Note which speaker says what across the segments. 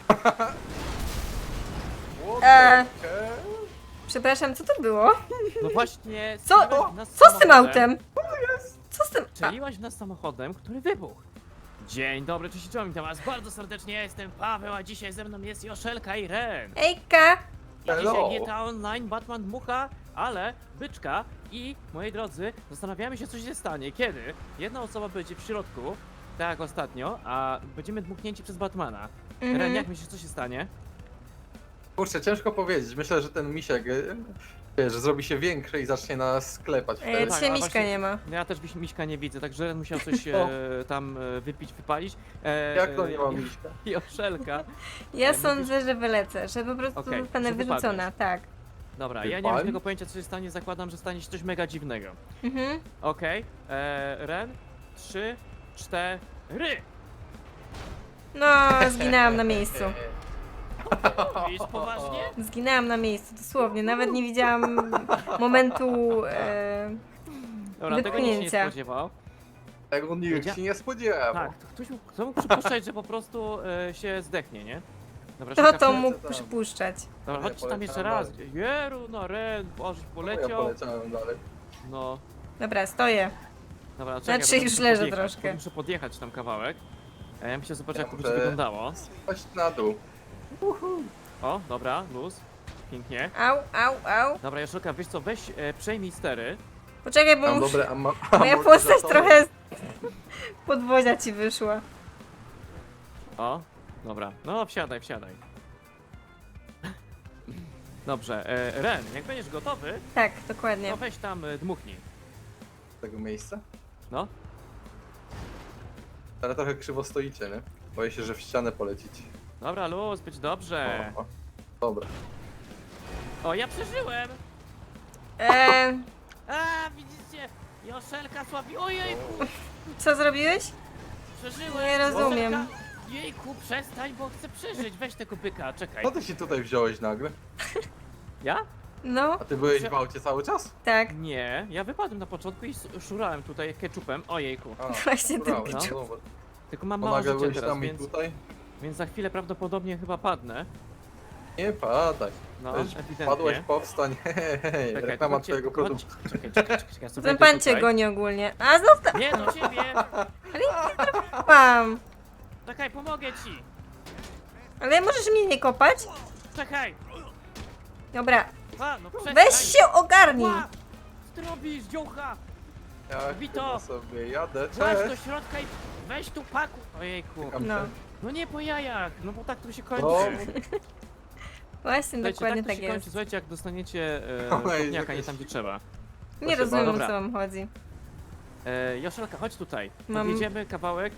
Speaker 1: Przepraszam, co to było?
Speaker 2: No właśnie,
Speaker 1: Co?
Speaker 2: strzeliłaś w nas
Speaker 1: Co z tym
Speaker 2: samochodem.
Speaker 1: autem? Co z tym?
Speaker 2: Strzeliłaś w nas samochodem, który wybuchł. Dzień dobry, cześć, witam was bardzo serdecznie, ja jestem Paweł, a dzisiaj ze mną jest Joszelka i Ren.
Speaker 1: Ejka!
Speaker 2: I dzisiaj
Speaker 3: Hello.
Speaker 2: GTA Online, Batman dmucha, ale byczka i, moi drodzy, zastanawiamy się, co się stanie, kiedy jedna osoba będzie w środku, tak jak ostatnio, a będziemy dmuchnięci przez Batmana. Ren, jak myślisz, co się stanie?
Speaker 3: Kurczę, ciężko powiedzieć. Myślę, że ten misiek, wiesz, zrobi się większy i zacznie nas sklepać wtedy.
Speaker 2: tak,
Speaker 1: Dzisiaj
Speaker 2: ale
Speaker 1: miśka
Speaker 2: właśnie-
Speaker 1: nie ma.
Speaker 2: No ja też Miśka nie widzę, także Ren musiał coś tam wypić, wypalić.
Speaker 3: Jak to nie ma miśka?
Speaker 2: Joszelka.
Speaker 1: Ja
Speaker 2: mówisz-
Speaker 1: sądzę, że wylecę, że po prostu
Speaker 2: Okej,
Speaker 1: zostanę
Speaker 2: że wypadniesz.
Speaker 1: wyrzucona, tak.
Speaker 2: Dobra, ja nie mam
Speaker 3: Wypadł?
Speaker 2: tego pojęcia, co się stanie, zakładam, że stanie się coś mega dziwnego.
Speaker 1: Mhm.
Speaker 2: Okej, Ren, 3, 4.
Speaker 1: No, zginęłam na miejscu.
Speaker 2: Mówisz poważnie?
Speaker 1: Zginęłam na miejscu, dosłownie. Nawet nie widziałam momentu
Speaker 2: Dobra, tego nikt się nie
Speaker 1: wypchnięcia.
Speaker 2: spodziewał.
Speaker 3: Tego nikt się nie spodziewał.
Speaker 2: Tak, kto mógł przypuszczać, że po prostu się zdechnie, nie? Dobra,
Speaker 1: Kto
Speaker 2: szukam-
Speaker 1: to mógł
Speaker 3: tam.
Speaker 1: przypuszczać?
Speaker 2: Dobra,
Speaker 3: Ja
Speaker 2: chodźcie tam jeszcze
Speaker 3: poleciałem
Speaker 2: raz. Jeru, no Ren, Bożeś
Speaker 3: Ja
Speaker 2: poleciał.
Speaker 3: poleciałem dalej.
Speaker 2: No,
Speaker 1: Dobra, stoję.
Speaker 2: dobra, czekaj,
Speaker 1: Znaczy,
Speaker 2: bo
Speaker 1: już
Speaker 2: muszę
Speaker 1: leżę
Speaker 2: podjechać,
Speaker 1: troszkę.
Speaker 2: Muszę podjechać tam kawałek. Ja muszę zobaczyć, jak to będzie
Speaker 3: Dobrze.
Speaker 2: wyglądało.
Speaker 3: Chodź na dół.
Speaker 2: O, dobra, luz. Pięknie.
Speaker 1: Au, au, au.
Speaker 2: Dobra, Joszelka, wiesz co, weź przejmij stery.
Speaker 1: Poczekaj, bo
Speaker 3: Mam
Speaker 1: muszę...
Speaker 3: dobre
Speaker 1: Moja postać trochę z podwozia ci wyszła.
Speaker 2: O, dobra. No, wsiadaj, wsiadaj. Dobrze, Ren, jak będziesz gotowy,
Speaker 1: Tak, dokładnie.
Speaker 2: to weź tam dmuchnij.
Speaker 3: tego miejsca.
Speaker 2: No,
Speaker 3: Ale trochę krzywo stoicie, nie? Boję się, że w ścianę polecić.
Speaker 2: dobra, luz, być dobrze.
Speaker 3: O, dobra.
Speaker 2: O, ja przeżyłem! A, widzicie? Joszelka słabi. Ojejku,
Speaker 1: Co zrobiłeś?
Speaker 2: przeżyłem!
Speaker 1: Nie rozumiem.
Speaker 2: Joszelka, jejku, przestań, bo chcę przeżyć. Weź tego byka, czekaj.
Speaker 3: Co ty się tutaj wziąłeś nagle?
Speaker 2: Ja?
Speaker 1: No,
Speaker 3: A ty byłeś w aucie cały czas?
Speaker 1: tak.
Speaker 2: Nie, ja wypadłem na początku i szurałem tutaj ketchupem. Ojejku.
Speaker 3: A,
Speaker 1: Właśnie
Speaker 3: brawo,
Speaker 1: ten
Speaker 2: no.
Speaker 3: no dobra.
Speaker 2: Tylko mam
Speaker 3: Bo
Speaker 2: mało
Speaker 3: nagle
Speaker 2: życia
Speaker 3: byłeś
Speaker 2: teraz,
Speaker 3: tam i
Speaker 2: więc,
Speaker 3: tutaj?
Speaker 2: więc za chwilę prawdopodobnie chyba padnę.
Speaker 3: Nie padaj.
Speaker 2: No,
Speaker 3: Weź,
Speaker 2: ewidentnie.
Speaker 3: Padłeś, powstań. Hej,
Speaker 2: Czekaj,
Speaker 3: reklama
Speaker 2: chodźcie,
Speaker 3: twojego produktu.
Speaker 2: Czekaj, ja sobie
Speaker 1: Ten
Speaker 2: wejdę
Speaker 1: pan cię
Speaker 2: tutaj.
Speaker 1: goni ogólnie. A znów tam
Speaker 2: Nie, do ciebie!
Speaker 1: mam.
Speaker 2: Czekaj, pomogę ci!
Speaker 1: Ale możesz mnie nie kopać?
Speaker 2: Czekaj!
Speaker 1: Dobra.
Speaker 2: A, no przestań!
Speaker 1: Weź się ogarnij.
Speaker 2: Ła! Co ty robisz, dziołcha?
Speaker 3: Ja
Speaker 2: Wito!
Speaker 3: chyba sobie jadę,
Speaker 2: Chodź do
Speaker 3: cześć.
Speaker 2: środka i weź tu paku! Ojejku.
Speaker 3: Czekam
Speaker 1: No.
Speaker 3: się.
Speaker 2: No nie po jajach, no bo tak to się kończy.
Speaker 3: No,
Speaker 1: Właśnie,
Speaker 2: Słuchajcie,
Speaker 1: dokładnie
Speaker 2: tak to
Speaker 1: tak
Speaker 2: się
Speaker 1: jest.
Speaker 2: kończy, słuchajcie, jak dostaniecie
Speaker 3: Oj,
Speaker 2: kopniaka nie
Speaker 3: jakaś-
Speaker 2: tam gdzie trzeba.
Speaker 1: Nie
Speaker 3: Proszę
Speaker 1: rozumiem, o
Speaker 2: bardzo.
Speaker 1: co wam chodzi.
Speaker 2: Joszelka, chodź tutaj.
Speaker 1: Mam-
Speaker 2: Podjedziemy kawałek.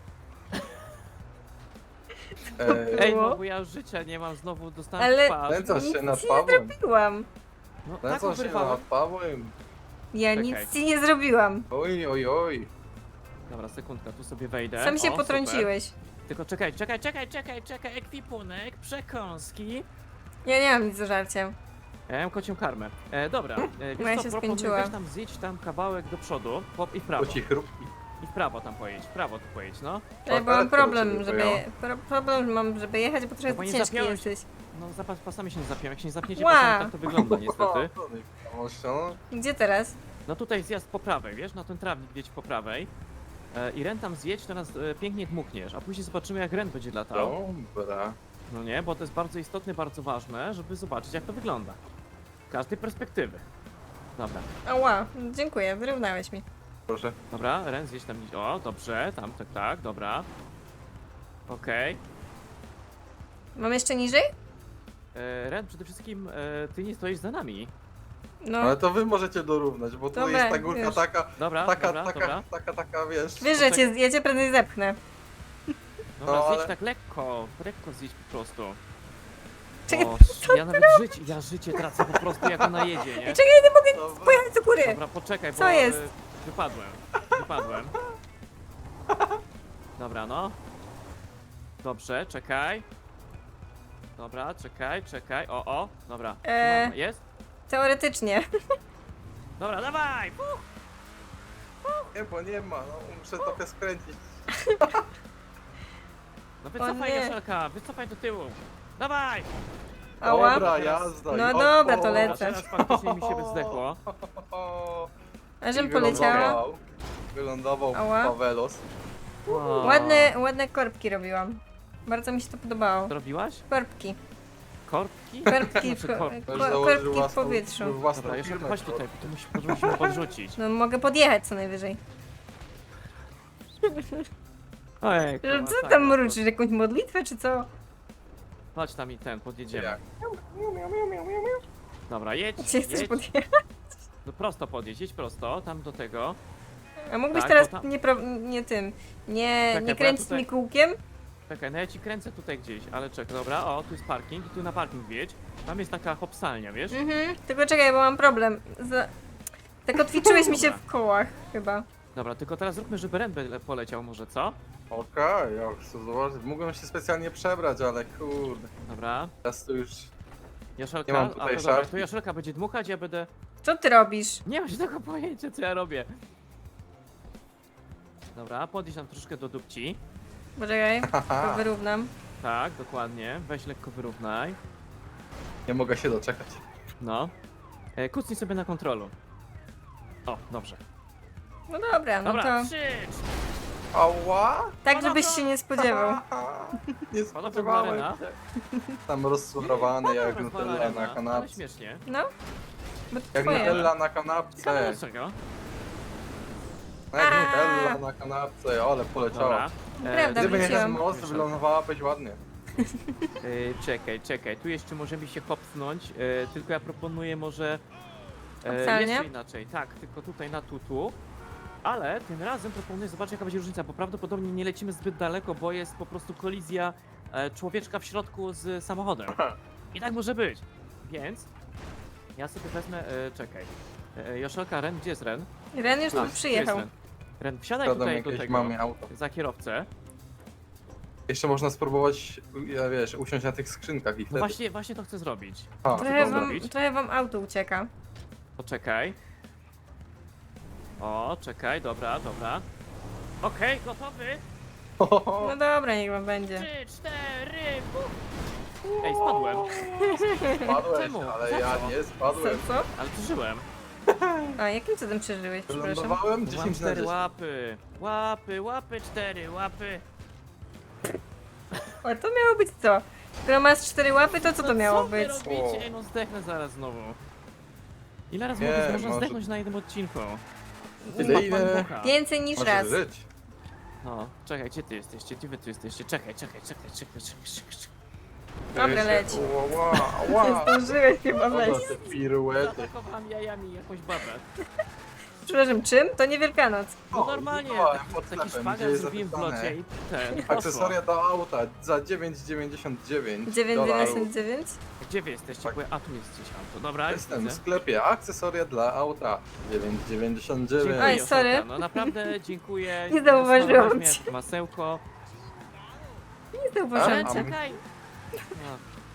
Speaker 3: Ej,
Speaker 2: Ej, no
Speaker 1: Było?
Speaker 2: bo ja już życia nie mam, znowu dostałem
Speaker 1: Ale-
Speaker 2: twarz.
Speaker 3: Nęcasz się
Speaker 1: Nic
Speaker 3: nad
Speaker 1: ci nie
Speaker 3: Pawłem.
Speaker 1: zrobiłam.
Speaker 2: No tak
Speaker 3: Nęcasz się
Speaker 2: wyrwałem.
Speaker 3: nad Pawłem.
Speaker 1: Ja
Speaker 2: Czekaj.
Speaker 1: nic ci nie zrobiłam.
Speaker 3: Oj, oj, oj.
Speaker 2: Dobra, sekundka, tu sobie wejdę.
Speaker 1: Sam się
Speaker 2: O,
Speaker 1: potrąciłeś.
Speaker 2: Super. Tylko czekaj, ekwipunek, przekąski.
Speaker 1: Ja nie mam nic do żarcia.
Speaker 2: Ja mam kocią karmę. Dobra, wiesz
Speaker 1: Moja
Speaker 2: co,
Speaker 1: się
Speaker 2: proponuję,
Speaker 1: skończyła.
Speaker 2: weź tam zjedź tam kawałek do przodu i w prawo.
Speaker 3: To ci chrupki.
Speaker 2: I w prawo tam pojedź, w prawo tu pojedź, no.
Speaker 1: Ja
Speaker 3: Tak,
Speaker 1: bo mam
Speaker 3: ale to
Speaker 1: problem,
Speaker 3: ciebie
Speaker 1: żeby...
Speaker 3: pojęłam.
Speaker 1: Problem mam, żeby jechać, bo trochę
Speaker 2: bo nie
Speaker 1: ciężki
Speaker 2: zapiąłeś.
Speaker 1: jesteś.
Speaker 2: No pasami się nie zapiąłem, jak się nie zapniecie
Speaker 1: Ła.
Speaker 2: pasami, tak to wygląda niestety.
Speaker 3: No,
Speaker 1: Gdzie teraz?
Speaker 2: No tutaj zjazd po prawej, wiesz, na ten trawnik jedź po prawej. I Ren tam zjedź, to nas pięknie dmuchniesz, a później zobaczymy jak Ren będzie latał.
Speaker 3: Dobra.
Speaker 2: No nie, bo to jest bardzo istotne, bardzo ważne, żeby zobaczyć jak to wygląda. Z każdej perspektywy. Dobra,
Speaker 1: Ała, dziękuję, wyrównałeś mi.
Speaker 3: Proszę.
Speaker 2: dobra, Ren zjedź tam, o dobrze, tam, tak, dobra. Okej.
Speaker 1: Mam jeszcze niżej?
Speaker 2: Ren, przede wszystkim ty nie stoisz za nami.
Speaker 1: No,
Speaker 3: Ale to wy możecie dorównać, bo tu
Speaker 1: Dobra,
Speaker 3: jest ta górka
Speaker 1: już.
Speaker 3: taka,
Speaker 2: Dobra,
Speaker 3: taka, wiesz.
Speaker 1: wyżej cię, ja cię prędzej zepchnę.
Speaker 2: Dobra,
Speaker 3: No,
Speaker 2: zjedź
Speaker 3: ale-
Speaker 2: tak lekko zjedź po prostu.
Speaker 1: Czekaj,
Speaker 2: O, ja nawet życie tracę po prostu jak ona jedzie, nie?
Speaker 1: Czekaj, nie mogę
Speaker 3: Dobra.
Speaker 1: pojechać do góry.
Speaker 2: Dobra, poczekaj, bo
Speaker 1: Co jest?
Speaker 2: wypadłem. Dobra, no. Dobrze, czekaj. Dobra, czekaj. O, dobra. Jest?
Speaker 1: Teoretycznie.
Speaker 2: Dobra, dawaj!
Speaker 3: Nie, bo nie ma, no muszę trochę skręcić.
Speaker 2: No wycofaj,
Speaker 1: nie.
Speaker 2: Joszelka, wycofaj do tyłu. Dawaj!
Speaker 1: Ała.
Speaker 3: Dobra, jazda.
Speaker 1: No
Speaker 3: i
Speaker 1: dobra,
Speaker 3: o,
Speaker 1: to
Speaker 3: o,
Speaker 1: lecę.
Speaker 2: Teraz faktycznie mi się zdechło.
Speaker 3: o.
Speaker 1: A żem
Speaker 3: I
Speaker 1: poleciała.
Speaker 3: Wylądował
Speaker 1: Ała.
Speaker 3: Pawelos.
Speaker 2: Wow.
Speaker 1: Ładne korbki robiłam. Bardzo mi się to podobało.
Speaker 2: Co robiłaś?
Speaker 1: Korbki.
Speaker 2: Korbki?
Speaker 1: Korbki w,
Speaker 2: Znaczy,
Speaker 3: Już
Speaker 1: korbki
Speaker 3: założył
Speaker 1: w
Speaker 3: własną-
Speaker 1: powietrzu.
Speaker 3: własną
Speaker 2: Dobra, Joszelka,
Speaker 3: firmę.
Speaker 2: chodź tutaj, bo tu musimy podrzucić.
Speaker 1: No mogę podjechać co najwyżej.
Speaker 2: Ojej,
Speaker 1: Co tam mruczysz? Jakąś modlitwę czy co?
Speaker 2: Chodź tam i podjedziemy.
Speaker 3: Jak?
Speaker 2: Dobra, jedź,
Speaker 1: Gdzie chcesz
Speaker 2: jedź.
Speaker 1: podjechać?
Speaker 2: No prosto podjedź, jedź prosto, tam do tego.
Speaker 1: A mógłbyś
Speaker 2: Tak,
Speaker 1: teraz
Speaker 2: bo tam-
Speaker 1: nie tym. Nie
Speaker 2: Czekaj, bo ja
Speaker 1: kręcić
Speaker 2: tutaj-
Speaker 1: mi kółkiem?
Speaker 2: Czekaj, no ja ci kręcę tutaj gdzieś, ale czekaj, dobra, o, tu jest parking i tu na parking wjedź. Tam jest taka hopsalnia, wiesz?
Speaker 1: Mhm. Tylko czekaj, bo mam problem. Tak kotwiczyłeś mi się w kołach chyba.
Speaker 2: Dobra, tylko teraz zróbmy, żeby Ren poleciał może, co?
Speaker 3: Okej, ja chcę zobaczyć. Mógłbym się specjalnie przebrać, ale kurde.
Speaker 2: Dobra,
Speaker 3: Teraz to już...
Speaker 2: Joszelka,
Speaker 3: Nie mam tutaj
Speaker 2: a to dobra,
Speaker 3: szafki.
Speaker 2: to Joszelka będzie dmuchać, ja będę...
Speaker 1: Co ty robisz?
Speaker 2: Nie mam żadnego pojęcia, co ja robię. Dobra, podjedź nam troszkę do dupci.
Speaker 1: Poczekaj, to
Speaker 3: Haha,
Speaker 1: wyrównam.
Speaker 2: Tak, dokładnie, weź lekko wyrównaj.
Speaker 3: nie mogę się doczekać.
Speaker 2: No. Kucnij sobie na kontrolu. O, dobrze.
Speaker 1: No dobra, no
Speaker 2: Dobra,
Speaker 1: to
Speaker 2: 3,
Speaker 3: Ała!
Speaker 1: tak, żebyś się nie spodziewał.
Speaker 3: Nie
Speaker 2: Pana
Speaker 3: spodziewałem
Speaker 2: Podmarena.
Speaker 3: się. Tam rozsurowany jak Nutella na
Speaker 2: ale
Speaker 3: kanapce.
Speaker 2: śmiesznie.
Speaker 1: No. Bo to
Speaker 3: Jak
Speaker 1: twoje.
Speaker 3: Nutella na
Speaker 2: Ciekawe
Speaker 3: kanapce.
Speaker 2: dlaczego.
Speaker 3: No jak
Speaker 1: A.
Speaker 3: Nutella na kanapce, ale poleciała.
Speaker 2: Dobra.
Speaker 1: Prawda,
Speaker 3: Gdyby nie ten
Speaker 1: wróciłam.
Speaker 3: most, wylądowałabyś ładnie.
Speaker 2: Czekaj, tu jeszcze możemy się hopsnąć, tylko ja proponuję może
Speaker 1: Hopsalnie?
Speaker 2: jeszcze inaczej, tak, tylko tutaj na tutu, ale tym razem proponuję zobaczyć jaka będzie różnica, bo prawdopodobnie nie lecimy zbyt daleko, bo jest po prostu kolizja człowieczka w środku z samochodem. I tak może być, więc ja sobie wezmę, czekaj, Joszelka, Ren, gdzie jest Ren?
Speaker 1: Ren już
Speaker 2: A,
Speaker 1: tu
Speaker 2: jest
Speaker 1: przyjechał.
Speaker 2: Ren. Ren, wsiadaj
Speaker 3: Kradam
Speaker 2: tutaj do
Speaker 3: jakieś
Speaker 2: tego,
Speaker 3: mamie auto.
Speaker 2: za kierowcę.
Speaker 3: Jeszcze można spróbować, ja wiesz, usiąść na tych skrzynkach i
Speaker 2: No
Speaker 3: wtedy...
Speaker 2: właśnie to chcę zrobić.
Speaker 3: A,
Speaker 1: Trochę
Speaker 3: dobra.
Speaker 1: trochę wam auto ucieka.
Speaker 2: Poczekaj. O, czekaj, dobra. Okej, gotowy?
Speaker 1: No dobra, niech wam będzie.
Speaker 2: 3, 4, Ej, spadłem,
Speaker 3: Spadłeś,
Speaker 2: Czemu?
Speaker 3: ale
Speaker 2: Za
Speaker 3: ja
Speaker 2: co?
Speaker 3: nie
Speaker 1: Co,
Speaker 3: spadłem.
Speaker 1: co?
Speaker 2: ale przeżyłem.
Speaker 1: A, jakim cudem przeżyłeś, przepraszam?
Speaker 3: Wylądowałem
Speaker 2: Mam
Speaker 3: 10 na
Speaker 2: 4
Speaker 3: 10.
Speaker 2: łapy, 4 łapy.
Speaker 1: O, to miało być co? Skoro masz 4 łapy, to co to
Speaker 2: No
Speaker 1: miało
Speaker 2: co wy
Speaker 1: być?
Speaker 2: robicie? Ej, no zdechnę zaraz znowu. Ile razy
Speaker 3: Nie,
Speaker 2: można
Speaker 3: może-
Speaker 2: zdechnąć na jednym odcinku? To
Speaker 3: Ile,
Speaker 2: jest
Speaker 3: ile?
Speaker 2: Batman Bucha.
Speaker 1: Więcej niż
Speaker 3: Możesz
Speaker 1: raz.
Speaker 3: żyć.
Speaker 2: No, czekaj, gdzie ty jesteście? Gdzie wy tu jesteście? Czekaj.
Speaker 1: Dobra, leć.
Speaker 3: Ła, ła.
Speaker 1: Zdążyłeś chyba
Speaker 3: Dobra,
Speaker 1: wejść.
Speaker 3: te piruety.
Speaker 2: Zaatakowałam jajami jakąś babę.
Speaker 1: Przepraszam, czym? To nie Wielkanoc.
Speaker 2: No
Speaker 3: O,
Speaker 2: normalnie,
Speaker 3: widziałem
Speaker 2: taki,
Speaker 3: pod
Speaker 2: taki
Speaker 3: sklepem,
Speaker 2: szpagat
Speaker 3: gdzie jest
Speaker 2: zrobiłem w
Speaker 3: zapisane.
Speaker 2: locie i ten, poszło.
Speaker 3: Akcesoria do auta za 9,99
Speaker 1: 9,99?
Speaker 2: Gdzie wy jesteście?
Speaker 3: Tak.
Speaker 2: Bo ja, a tu jest gdzieś auto, dobra,
Speaker 3: Jestem w
Speaker 2: widzę.
Speaker 3: sklepie. Akcesoria dla auta 9,99.
Speaker 2: Dziękuję,
Speaker 1: Oj,
Speaker 2: Joszelka,
Speaker 1: sorry.
Speaker 2: No naprawdę dziękuję.
Speaker 1: Nie zauważyłam
Speaker 2: Zasmarowałaś
Speaker 1: cię.
Speaker 2: mnie, Masełko.
Speaker 1: Nie zauważyłam
Speaker 2: Ale
Speaker 3: A,
Speaker 1: cię.
Speaker 2: czekaj. No.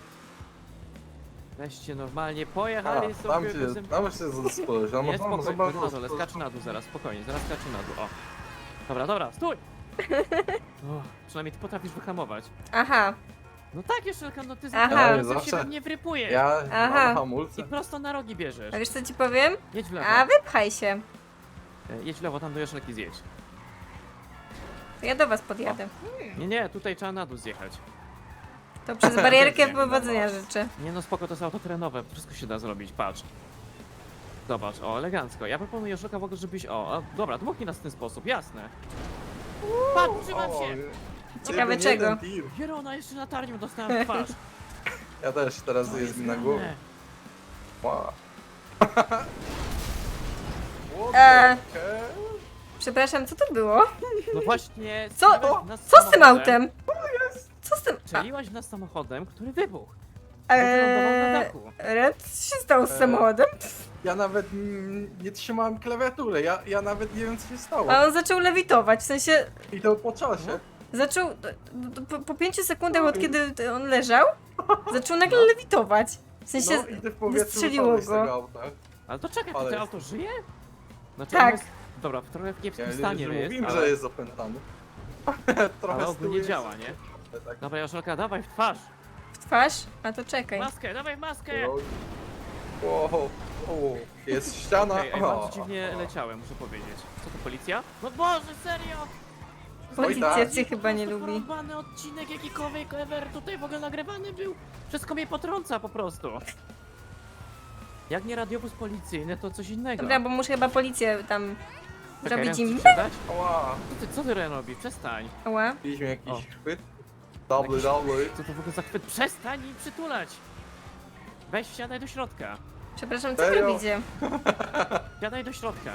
Speaker 2: Weźcie normalnie,
Speaker 3: A,
Speaker 2: pojechali
Speaker 3: tam
Speaker 2: sobie
Speaker 3: się,
Speaker 2: bez...
Speaker 3: tam się spojrzeć. No,
Speaker 2: Nie,
Speaker 3: no,
Speaker 2: spokojnie, na dole, skacz na dół zaraz, spokojnie, zaraz skacz na dół, o. Dobra, stój! O, przynajmniej ty potrafisz wyhamować.
Speaker 1: Aha,
Speaker 2: No tak, Joszelka, no ty
Speaker 1: Aha.
Speaker 2: za
Speaker 3: Ja
Speaker 2: się
Speaker 3: zawsze-
Speaker 2: we mnie wrypujesz.
Speaker 3: Ja
Speaker 1: Aha.
Speaker 3: mam hamulce.
Speaker 2: I prosto na rogi bierzesz.
Speaker 1: a wiesz co ci powiem?
Speaker 2: Jedź w lewo.
Speaker 1: A, wypchaj się.
Speaker 2: Jedź w lewo, tam do Joszelki zjedź.
Speaker 1: To ja do was podjadę.
Speaker 2: Nie, tutaj trzeba na dół zjechać.
Speaker 1: To przez barierkę
Speaker 2: Nie,
Speaker 1: powodzenia życzę.
Speaker 2: Nie no spoko, to jest auto terenowe, wszystko się da zrobić, patrz. Zobacz, o, elegancko. Ja proponuję Joszelka w ogóle, żebyś, dobra, dmuchnij nas w ten sposób, jasne. Patrz, trzymam
Speaker 3: O,
Speaker 2: się.
Speaker 1: Ciekawe
Speaker 3: jeden
Speaker 1: czego.
Speaker 3: tir.
Speaker 2: Jerona, jeszcze latarnią dostałem w twarz.
Speaker 3: Ja też, teraz
Speaker 2: To
Speaker 3: jest mi na
Speaker 2: grane.
Speaker 3: głowie. Wow.
Speaker 1: Przepraszam, co to było?
Speaker 2: No właśnie,
Speaker 1: Co?
Speaker 2: strzeliłaś w nas
Speaker 1: Co z tym
Speaker 2: samochodem.
Speaker 1: autem? Co z tym?
Speaker 2: Strzeliłaś w nas samochodem, który wybuchł. Wylądował na dachu.
Speaker 1: Red, co się stało z samochodem?
Speaker 3: Ja nawet nie trzymałem klawiatury, ja nawet nie wiem co się stało.
Speaker 1: A on zaczął lewitować, w sensie
Speaker 3: I to po czasie.
Speaker 1: zaczął, po 5 sekundach od kiedy on leżał, zaczął nagle lewitować. W sensie
Speaker 3: No i ty w powietrzu
Speaker 1: wystrzeliło
Speaker 3: wypadłeś z tego
Speaker 1: go.
Speaker 3: auta.
Speaker 2: Ale to czekaj, to
Speaker 3: Ale
Speaker 2: to
Speaker 3: jest-
Speaker 2: auto żyje? Znaczy,
Speaker 1: Tak.
Speaker 2: ono jest, dobra, w trochę w
Speaker 3: Ja
Speaker 2: kiepskim
Speaker 3: nie
Speaker 2: stanie jest,
Speaker 3: mówiłem,
Speaker 2: ale,
Speaker 3: że jest opętany. Trochę
Speaker 2: ale
Speaker 3: z tyłu
Speaker 2: ogólnie
Speaker 3: jest-
Speaker 2: działa, nie?
Speaker 3: Tak.
Speaker 2: Dobra, Joszelka, dawaj w twarz.
Speaker 1: W twarz? A to czekaj.
Speaker 2: Maskę, dawaj maskę.
Speaker 3: Wow, jest ściana.
Speaker 2: Ej, bardzo dziwnie leciałem, muszę powiedzieć. Co to, policja? No Boże, serio!
Speaker 1: Policja
Speaker 3: tak.
Speaker 1: cię chyba nie lubi.
Speaker 2: Porąbany odcinek jakikolwiek ever tutaj w ogóle nagrywany był. Wszystko mnie potrąca po prostu. Jak nie radiowóz policyjny, to coś innego.
Speaker 1: Dobra, bo muszę chyba policję tam
Speaker 2: Czekaj,
Speaker 1: zrobić
Speaker 2: Ren,
Speaker 1: im.
Speaker 2: chcesz sprzedać?
Speaker 3: Ała,
Speaker 2: Co ty Ren robi? Przestań.
Speaker 1: Ała.
Speaker 3: mieliśmy
Speaker 2: O.
Speaker 3: jakiś chwyt. Double, double.
Speaker 2: Co to w ogóle za chwyt? Przestań i przytulać. Weź, wsiadaj do środka.
Speaker 1: Przepraszam, co wy
Speaker 3: Serio?
Speaker 1: robicie?
Speaker 2: Wsiadaj do środka.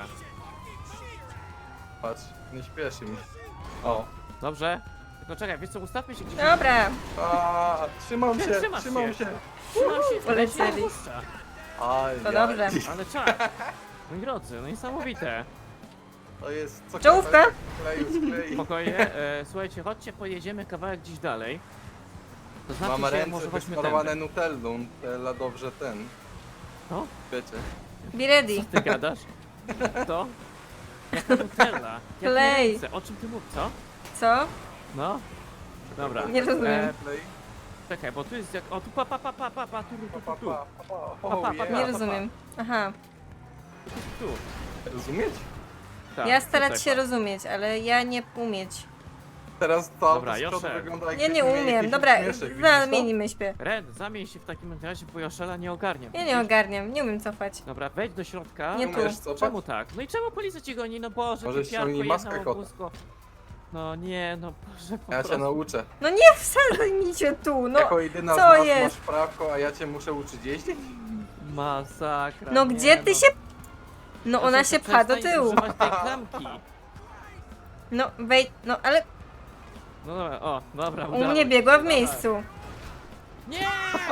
Speaker 3: Patrz, nie śpieszy mi. O.
Speaker 2: Dobrze? Tylko czekaj, wiesz co, ustawmy się gdzieś.
Speaker 1: Dobra.
Speaker 3: Trzymam się,
Speaker 2: Trzymasz
Speaker 3: trzymam
Speaker 2: się.
Speaker 3: się.
Speaker 2: Trzymam się,
Speaker 1: Polecieli.
Speaker 2: ale się puszcza.
Speaker 3: Aj,
Speaker 1: To dobrze.
Speaker 2: Ale czak. Moi drodzy, no niesamowite.
Speaker 3: To jest co
Speaker 1: Czołówka?
Speaker 3: kawałek sklei.
Speaker 2: Spokojnie, słuchajcie, chodźcie, pojedziemy kawałek gdzieś dalej. To znaczy
Speaker 3: Mam
Speaker 2: się,
Speaker 3: ręce
Speaker 2: może chodźmy
Speaker 3: wysmarowane
Speaker 2: tędy.
Speaker 3: nutellą. Nutella dobrze ten.
Speaker 2: No?
Speaker 3: Wiecie.
Speaker 1: Be ready.
Speaker 2: Ty gadasz? To? Jaka Nutella? Jakie
Speaker 1: Klej.
Speaker 2: ręce? O czym ty mówisz, co?
Speaker 1: Co?
Speaker 2: No? Dobra.
Speaker 1: Nie rozumiem.
Speaker 3: Klej.
Speaker 2: Czekaj, bo tu jest jak... O, tu pa, tu,
Speaker 3: Pa,
Speaker 2: tu, tu,
Speaker 3: pa, pa, pa.
Speaker 2: Pa, pa,
Speaker 3: Oh,
Speaker 2: pa,
Speaker 3: yeah.
Speaker 1: Nie rozumiem. Aha.
Speaker 2: tu.
Speaker 3: Rozumieć?
Speaker 2: Tak,
Speaker 1: Ja starać
Speaker 2: tutaj,
Speaker 1: się
Speaker 2: pa.
Speaker 1: rozumieć, ale ja nie umieć.
Speaker 3: Teraz to
Speaker 2: Dobra,
Speaker 3: z przodu
Speaker 2: Josze.
Speaker 3: wygląda
Speaker 1: Ja
Speaker 3: jakbyśmy
Speaker 1: nie
Speaker 3: mieli
Speaker 1: umiem.
Speaker 3: jakiś
Speaker 1: Dobra,
Speaker 3: uśmieszek, widzisz to?
Speaker 1: zamienimy się.
Speaker 2: Ren, zamień się w takim razie, bo Joszela nie ogarnia.
Speaker 1: Ja nie
Speaker 2: widzisz?
Speaker 1: ogarniam, nie umiem cofać.
Speaker 2: Dobra, wejdź do środka.
Speaker 1: Nie tu.
Speaker 3: Umiesz cofać?
Speaker 2: Czemu tak? No i czemu policja ci goni? No Boże,
Speaker 3: Może
Speaker 2: ty piarko
Speaker 3: ściągnij maskę,
Speaker 2: jedno
Speaker 3: kota.
Speaker 2: łusko. No nie, no Boże, po
Speaker 3: Ja cię
Speaker 2: prostu.
Speaker 3: nauczę.
Speaker 1: No nie wsadzaj mi cię tu, no.
Speaker 3: Jako jedyna
Speaker 1: co
Speaker 3: z nas
Speaker 1: jest?
Speaker 3: masz prawko, a ja cię muszę uczyć jeździć?
Speaker 2: Masakra.
Speaker 1: No
Speaker 2: nie,
Speaker 1: gdzie ty się... No ona
Speaker 2: Proszę,
Speaker 1: się pcha do
Speaker 2: przestań
Speaker 1: tyłu.
Speaker 2: używać tej klamki.
Speaker 1: No wejdź, no ale
Speaker 2: No dobra, o, dobra,
Speaker 1: u
Speaker 2: udało
Speaker 1: mnie
Speaker 2: ci
Speaker 1: biegła
Speaker 2: się,
Speaker 1: w
Speaker 2: dobra.
Speaker 1: miejscu.
Speaker 2: Nie!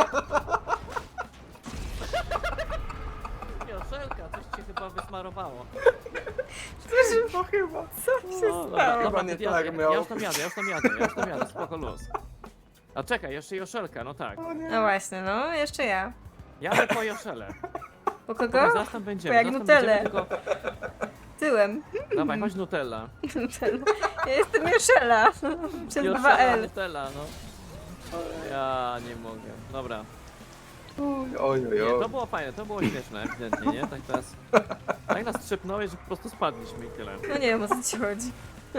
Speaker 2: Joszelka, coś cię chyba wysmarowało.
Speaker 3: No chyba.
Speaker 1: Co się
Speaker 2: No,
Speaker 1: stało?
Speaker 3: Chyba nie
Speaker 2: ja,
Speaker 3: tak
Speaker 2: ja,
Speaker 3: miał.
Speaker 2: ja już tam jadę, spoko luz. A czekaj, jeszcze Joszelka, no tak.
Speaker 1: No właśnie, no jeszcze ja.
Speaker 2: Jadę po Joszelę.
Speaker 1: Po
Speaker 2: Dobra,
Speaker 1: kogo?
Speaker 2: zaraz tam będziemy,
Speaker 1: jak
Speaker 2: zaraz tam
Speaker 1: Nutellę.
Speaker 2: będziemy,
Speaker 1: Tyłem.
Speaker 2: Dawaj, chodź Nutella.
Speaker 1: Ja jestem Joszela. Przez
Speaker 2: Joszela,
Speaker 1: 2L.
Speaker 2: Nutella, no. Ja nie mogę. Dobra.
Speaker 3: Oj,
Speaker 2: Nie, to było fajne, to było śmieszne, ewidentnie, nie? Tak teraz... Tak nas trzepnąłeś, że po prostu spadliśmy i tyle.
Speaker 1: No nie wiem o co ci chodzi.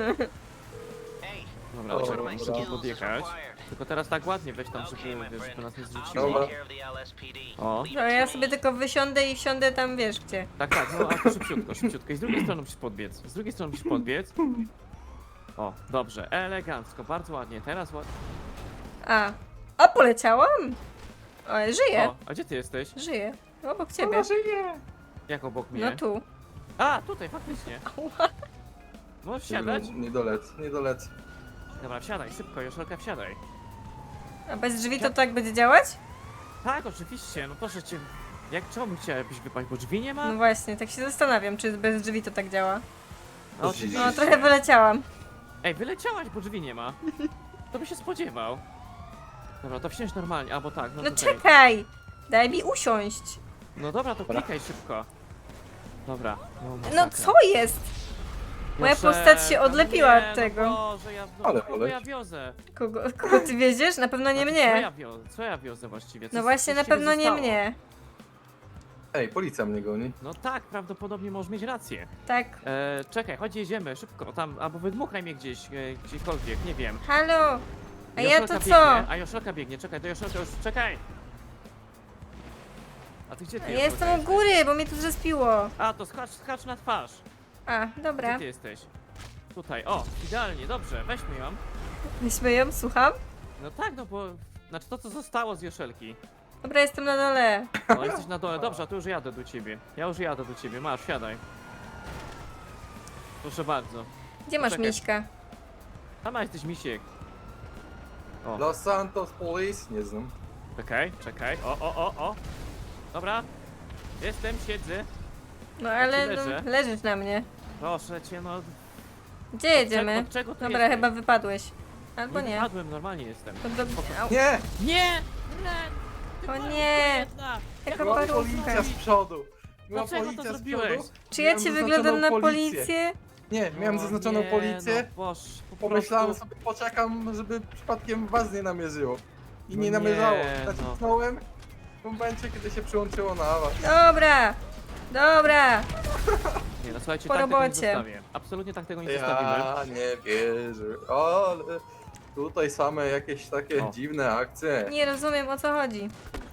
Speaker 2: Dobra,
Speaker 3: O,
Speaker 2: trzeba
Speaker 3: dobra.
Speaker 2: muszę tu podjechać. Tylko teraz tak ładnie weź tam, żeby nas nie zrzuciło.
Speaker 3: Dobra.
Speaker 2: O,
Speaker 1: No ja sobie tylko wysiądę i wsiądę tam wiesz gdzie.
Speaker 2: tak, no a to szybciutko, szybciutko. I z drugiej strony musisz podbiec. Z drugiej strony musisz podbiec. O, dobrze, elegancko, bardzo ładnie. Teraz ładnie.
Speaker 1: A. O, poleciałam? O, żyję.
Speaker 2: O, a gdzie ty jesteś?
Speaker 1: Żyję. Obok ciebie.
Speaker 2: Jak obok mnie?
Speaker 1: No tu.
Speaker 2: A, tutaj, faktycznie. Możesz wsiadać?
Speaker 3: Nie dolecę, nie dolecę.
Speaker 2: Dobra, wsiadaj, szybko, Joszelka, wsiadaj.
Speaker 1: A bez drzwi to tak będzie działać?
Speaker 2: Tak, oczywiście, no proszę cię. Czemu chciałabyś wypaść, bo drzwi nie ma?
Speaker 1: No właśnie, tak się zastanawiam, czy bez drzwi to tak działa.
Speaker 2: No, oczywiście.
Speaker 1: No trochę wyleciałam.
Speaker 2: Ej, wyleciałaś, bo drzwi nie ma. To by się spodziewał. Dobra, to wsiądź normalnie, albo tak, no
Speaker 1: No
Speaker 2: tutaj.
Speaker 1: czekaj! Daj mi usiąść.
Speaker 2: No dobra, to
Speaker 3: Dobra.
Speaker 2: klikaj szybko. Dobra.
Speaker 1: No
Speaker 2: masakra.
Speaker 1: co jest? Moja
Speaker 2: Proszę,
Speaker 1: postać się
Speaker 2: no
Speaker 1: odlepiła
Speaker 2: nie,
Speaker 1: od tego.
Speaker 2: No Boże,
Speaker 3: Ale
Speaker 2: kogo ja
Speaker 3: poleć.
Speaker 2: wiozę?
Speaker 1: Kogo ty wieziesz? Na pewno nie
Speaker 2: Znaczy, Co
Speaker 1: mnie.
Speaker 2: ja wiozę? Co ja wiozę właściwie? Co
Speaker 1: No właśnie, na
Speaker 2: właściwie
Speaker 1: pewno nie
Speaker 2: zostało?
Speaker 1: mnie.
Speaker 3: Ej, policja mnie goni.
Speaker 2: No tak, prawdopodobnie możesz mieć rację.
Speaker 1: Tak.
Speaker 2: Czekaj, chodź jedziemy, szybko, tam, albo wydmuchaj mnie gdzieś, gdziekolwiek, nie wiem.
Speaker 1: Halo! A ja
Speaker 2: Joszelka
Speaker 1: to co?
Speaker 2: biegnie, a Joszelka biegnie, czekaj, do Joszelka już, czekaj! A ty gdzie ty
Speaker 1: Ja
Speaker 2: Joszelka,
Speaker 1: jestem u
Speaker 2: jesteś?
Speaker 1: góry, bo mnie tu zespiło.
Speaker 2: A, to skacz na twarz.
Speaker 1: A,
Speaker 2: Gdzie
Speaker 1: dobra.
Speaker 2: ty jesteś? Tutaj, o, idealnie, dobrze, weźmy ją.
Speaker 1: Weźmy ją, słucham.
Speaker 2: No tak, no bo, znaczy to co zostało z Joszelki.
Speaker 1: Dobra, jestem na dole.
Speaker 2: No jesteś na dole, dobrze, a to już jadę do ciebie. Ja już jadę do ciebie, masz, siadaj. Proszę bardzo.
Speaker 1: Gdzie masz
Speaker 2: Czekaj.
Speaker 1: miśka?
Speaker 2: Tam jesteś misiek. O,
Speaker 3: Los Santos Police? Nie znam.
Speaker 2: czekaj, o. Dobra, jestem, siedzę.
Speaker 1: No ale no,
Speaker 2: leżę?
Speaker 1: leżysz na mnie.
Speaker 2: Proszę cię, no.
Speaker 1: Gdzie jedziemy?
Speaker 2: Od czego tu
Speaker 1: Dobra,
Speaker 2: jesteś?
Speaker 1: chyba wypadłeś. Albo nie.
Speaker 2: Wypadłem, normalnie jestem.
Speaker 1: To do... Au.
Speaker 3: Nie!
Speaker 2: Nie! Ren! Ty
Speaker 1: O
Speaker 2: parówko
Speaker 1: nie!
Speaker 2: jedna!
Speaker 1: Jaka
Speaker 3: Była
Speaker 1: parówka.
Speaker 3: policja z przodu. Była
Speaker 2: Dlaczego to
Speaker 3: policja z
Speaker 2: zrobiłeś?
Speaker 3: przodu.
Speaker 1: Czy ja
Speaker 3: Miałem
Speaker 1: ci
Speaker 3: zaznaczoną
Speaker 1: wyglądam na
Speaker 3: policję.
Speaker 1: policję?
Speaker 3: Nie, miałem
Speaker 2: O
Speaker 3: zaznaczoną
Speaker 2: nie,
Speaker 3: policję.
Speaker 2: No, boż, po
Speaker 3: Pomyślałem
Speaker 2: prostu...
Speaker 3: sobie, poczekam, żeby przypadkiem was nie namierzyło. I
Speaker 2: No
Speaker 3: nie
Speaker 2: nie,
Speaker 3: namierzało.
Speaker 2: no.
Speaker 3: Nacisnąłem w momencie, kiedy się przyłączyło na was.
Speaker 1: Dobra! Dobra!
Speaker 2: Nie, no słuchajcie,
Speaker 1: Po
Speaker 2: tak tego nie
Speaker 1: robocie.
Speaker 2: zostawię. Absolutnie tak tego nie zostawimy.
Speaker 3: Ja nie wierzę, ale tutaj same jakieś takie
Speaker 2: O.
Speaker 3: dziwne akcje.
Speaker 1: Nie rozumiem, o co chodzi.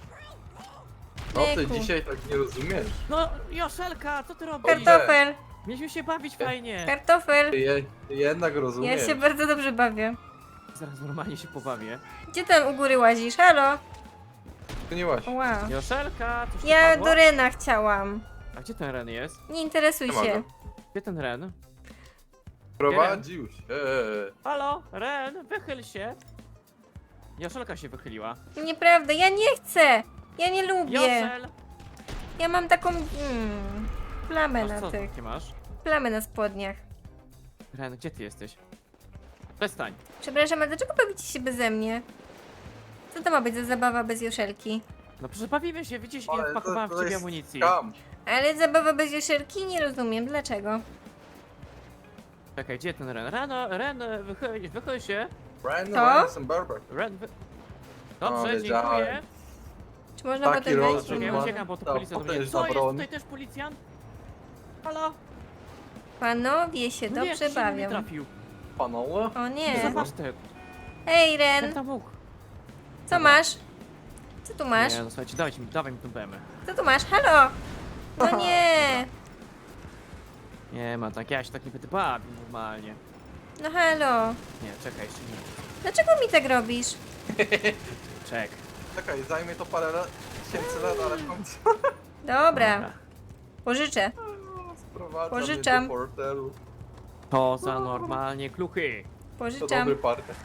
Speaker 3: No ty
Speaker 1: Jejku.
Speaker 3: dzisiaj tak nie rozumiesz.
Speaker 2: No, Joszelka, co ty robisz?
Speaker 1: Kartofel!
Speaker 2: Mieliśmy się bawić fajnie.
Speaker 1: Kartofel!
Speaker 3: Ty jednak
Speaker 1: Ja
Speaker 3: rozumiesz.
Speaker 1: się bardzo dobrze bawię.
Speaker 2: Zaraz normalnie się pobawię.
Speaker 1: Gdzie tam u góry łazisz? Halo?
Speaker 3: Zmieniłaś.
Speaker 1: Wow.
Speaker 2: Joszelka, coś ci
Speaker 1: Ja
Speaker 2: padło?
Speaker 1: do Rena chciałam.
Speaker 2: A gdzie ten Ren jest?
Speaker 1: Nie interesuj
Speaker 3: Nie
Speaker 1: się.
Speaker 3: mogę.
Speaker 2: Gdzie ten Ren?
Speaker 3: Prowadził się.
Speaker 2: Halo, Ren, wychyl się. Joszelka się wychyliła.
Speaker 1: Nieprawda, ja nie chcę! Ja nie lubię!
Speaker 2: Joszel!
Speaker 1: Ja mam taką... plamę
Speaker 2: Masz
Speaker 1: na
Speaker 2: co
Speaker 1: tych...
Speaker 2: takie masz?
Speaker 1: Plamę na spodniach.
Speaker 2: Ren, gdzie ty jesteś? Przestań.
Speaker 1: Przepraszam, ale dlaczego bawicie się beze mnie? Co to ma być za zabawa bez Joszelki?
Speaker 2: No przecież bawimy się, widzisz,
Speaker 3: Ale
Speaker 2: ile wpakowałem w ciebie
Speaker 3: jest
Speaker 2: amunicji.
Speaker 3: skam.
Speaker 1: Ale zabawa bez Joszelki? Nie rozumiem, dlaczego?
Speaker 2: Czekaj, gdzie ten Ren? Ren, wychyl się.
Speaker 3: Brandon
Speaker 1: To?
Speaker 3: Ransom Barber.
Speaker 2: Ren,
Speaker 3: O,
Speaker 2: Dobrze,
Speaker 3: wiedziałem.
Speaker 2: dziękuję.
Speaker 1: Czy można
Speaker 3: Taki
Speaker 1: potem wejść?
Speaker 3: rozrzut
Speaker 2: Czekaj,
Speaker 3: ma.
Speaker 2: uciekam, bo to
Speaker 3: Ta
Speaker 2: policja do mnie.
Speaker 3: potężna
Speaker 2: Co, jest
Speaker 3: broń.
Speaker 2: tutaj też policjant? Halo?
Speaker 1: Panowie się
Speaker 2: No nie,
Speaker 1: dobrze
Speaker 2: się mnie
Speaker 1: bawią.
Speaker 2: trafił.
Speaker 3: Panowie?
Speaker 1: O nie.
Speaker 2: Zobacz ten.
Speaker 1: Hej
Speaker 2: Ten
Speaker 1: Ren,
Speaker 2: tam mógł.
Speaker 1: co masz? Co tu masz?
Speaker 2: Nie, no słuchajcie, dawaj mi tą BM.
Speaker 1: Co tu masz? Halo! No nie!
Speaker 2: Nie ma, tak ja się tak nie będę bawił normalnie.
Speaker 1: No halo!
Speaker 2: Nie, czekaj, jeszcze nie.
Speaker 1: Dlaczego mi tak robisz?
Speaker 2: Czek.
Speaker 3: Czekaj, zajmie to parę tysięcy lat, ale w końcu
Speaker 1: Dobra, pożyczę.
Speaker 3: sprowadza
Speaker 1: Pożyczam.
Speaker 3: mnie do portelu.
Speaker 2: To za normalnie kluchy.
Speaker 3: To
Speaker 1: Pożyczam.
Speaker 3: dobry partner.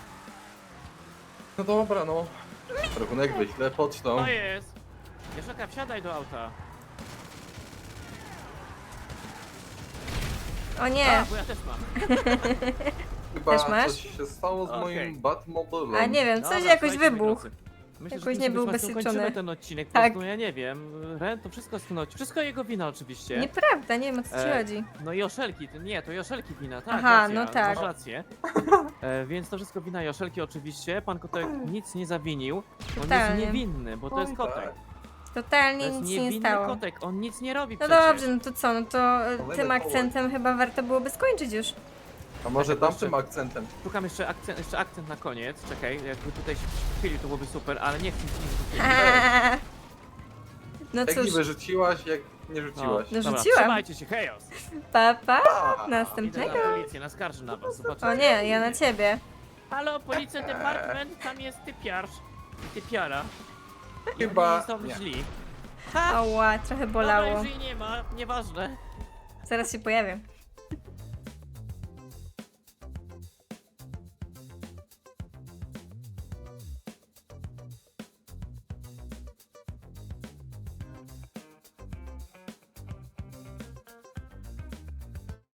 Speaker 3: No dobra, no. Rachunek wyślę pocztą.
Speaker 2: To jest. Joszelka, wsiadaj do auta.
Speaker 1: O nie!
Speaker 2: A, bo ja też mam.
Speaker 3: Chyba
Speaker 1: Też masz?
Speaker 3: coś się stało z
Speaker 2: Okej.
Speaker 3: moim Batmobilem.
Speaker 1: A nie wiem, coś
Speaker 2: Dobra,
Speaker 1: jakoś
Speaker 2: słuchajcie, moi
Speaker 1: wybuchł.
Speaker 2: drodzy. Myślę,
Speaker 1: Jakoś
Speaker 2: że
Speaker 1: nie
Speaker 2: tym
Speaker 1: był
Speaker 2: tematem
Speaker 1: ubezpieczony.
Speaker 2: kończymy ten odcinek, po
Speaker 1: Tak.
Speaker 2: prostu ja nie wiem. Ren, to wszystko jest wszystko jego wina oczywiście.
Speaker 1: Nieprawda, nie wiem o co ci
Speaker 2: E,
Speaker 1: chodzi.
Speaker 2: No Joszelki, nie, to Joszelki wina, tak.
Speaker 1: Aha,
Speaker 2: racja,
Speaker 1: no tak.
Speaker 2: Masz rację. Więc to wszystko wina Joszelki oczywiście. Pan Kotek nic nie zawinił. On jest
Speaker 1: Totalnie.
Speaker 2: niewinny, bo to jest
Speaker 3: Oj,
Speaker 2: kotek.
Speaker 3: tak.
Speaker 2: To
Speaker 1: Totalnie
Speaker 2: jest
Speaker 1: nic się nie
Speaker 2: niewinny
Speaker 1: stało.
Speaker 2: kotek, on nic nie robi
Speaker 1: No
Speaker 2: przecież.
Speaker 1: dobrze, no to co, no to
Speaker 3: Kolejny
Speaker 1: tym
Speaker 3: kołek.
Speaker 1: akcentem chyba warto byłoby skończyć już.
Speaker 3: A może
Speaker 2: Czekaj,
Speaker 3: tamtym akcentem?
Speaker 2: Szukam jeszcze akcent na koniec. Czekaj, jakby tutaj się chwili, to byłoby super, ale nie chcę nic nie
Speaker 1: No
Speaker 3: Jak
Speaker 1: cóż,
Speaker 3: niby rzuciłaś, jak nie rzuciłaś.
Speaker 1: No
Speaker 2: Dobra,
Speaker 1: rzuciłam.
Speaker 2: trzymajcie się, chaos.
Speaker 1: pa pa,
Speaker 3: A,
Speaker 2: Idę
Speaker 1: następnego.
Speaker 2: na policję, naskarżę na was, zobaczycie.
Speaker 1: O nie, ja na ciebie.
Speaker 2: Halo, policja department, tam jest typiarz. Typiara. I
Speaker 3: Chyba
Speaker 2: oni są
Speaker 3: nie.
Speaker 2: źli. Ha!
Speaker 1: Ała, trochę
Speaker 2: Dobra,
Speaker 1: bolało.
Speaker 2: już jej nie ma, nieważne.
Speaker 1: Zaraz się pojawię.